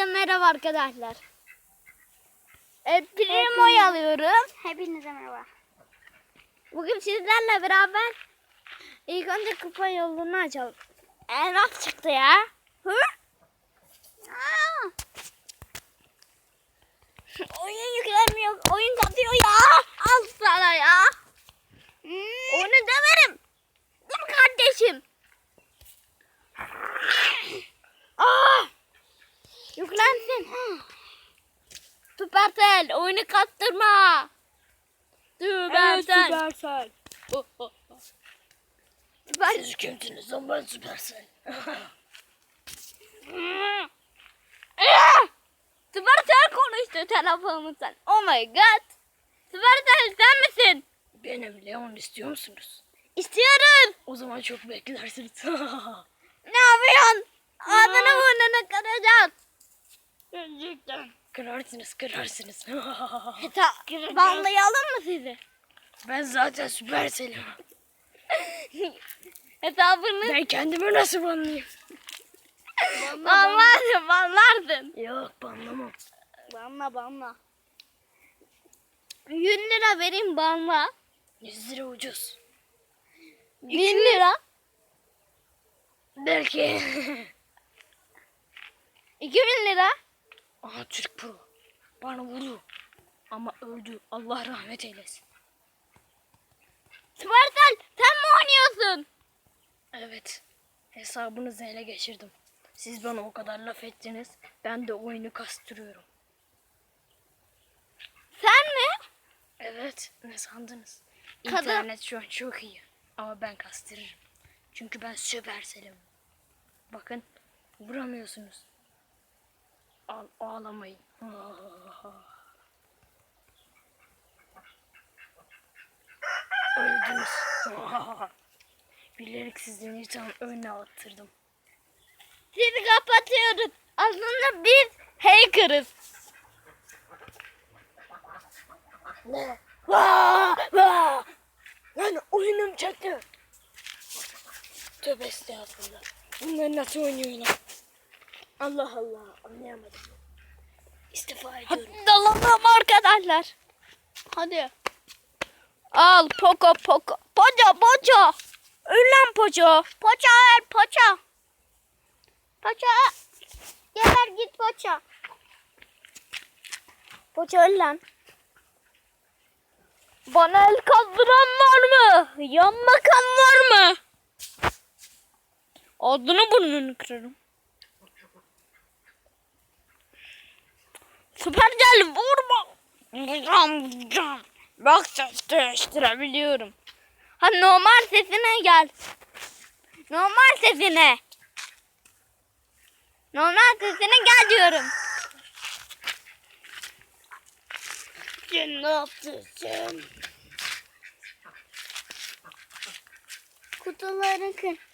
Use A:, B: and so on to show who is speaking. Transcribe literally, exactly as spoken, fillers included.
A: Hepinize merhaba arkadaşlar. E, Primo'yu alıyorum.
B: Hepinize merhaba.
A: Bugün sizlerle beraber ilk önce kupa yolunu açalım. Elmas çıktı ya. Hı? Aa! Oyun yüklenmiyor. Oyun katıyor ya. Al sana ya.
B: Hmm.
A: Onu döverim. Dur kardeşim. Aa! Yüklensin. Süpersel oyunu kastırma. Süpersel.
C: Süpersel. Oh, oh, oh.
A: Süper.
C: Siz kimsiniz lan, ben Süpersel.
A: Süpersel konuştu telefonumuzdan. Oh my god. Süpersel sen misin?
C: Benim Leon, istiyor musunuz?
A: İstiyoruz.
C: O zaman çok beklersiniz.
A: Ne yapıyorsun? Ağzını burnunu kıracağız.
C: Gerçekten. Kırarsınız kırarsınız.
A: Ta banlayalım mı sizi?
C: Ben zaten Süpersel'im.
A: Hesabını
C: Ben kendimi nasıl banlayayım?
A: banlarsın, banlarsın.
C: Yok, banlamam.
A: Banla, banla. yüz lira vereyim banla.
C: yüz lira ucuz.
A: bin lira.
C: Belki.
A: iki bin lira.
C: Aha, Türk Pro. Bana vurdu. Ama öldü. Allah rahmet eylesin.
A: Süpersel sen mi oynuyorsun?
C: Evet. Hesabınızı ele geçirdim. Siz bana o kadar laf ettiniz. Ben de oyunu kastırıyorum.
A: Sen mi?
C: Evet. Ne sandınız?
A: Kadın-
C: İnternet şu an çok iyi. Ama ben kastırırım. Çünkü ben Süpersel'im. Bakın. Vuramıyorsunuz. Al, ağlamayın. Öldünüz. Bilerek sizden insan önüne attırdım.
A: Sizi kapatıyoruz. Aslında biz hacker'ız.
C: Ne? Vaa! Vaa! Lan oyunum çöktü. Tövbe estağfurullah. Bunlar nasıl oynuyorlar? Allah Allah, anlayamadım. İstifa ediyorum.
A: Hadi dalalım arkadaşlar. Hadi. Al poko poko. Poco poco. Öl lan poco. Poco öl poco. Poco. Geber git poco. Poco öl lan. Bana el kaldıran var mı? Yan bakan var mı? Ağzını burnunu kırarım. Süpersel vurma. Vuracağım vuracağım. Bak ses değiştirebiliyorum. Ha normal sesine gel. Normal sesine. Normal sesine gel diyorum.
C: Sen ne yaptın sen?
B: Kutuları kır.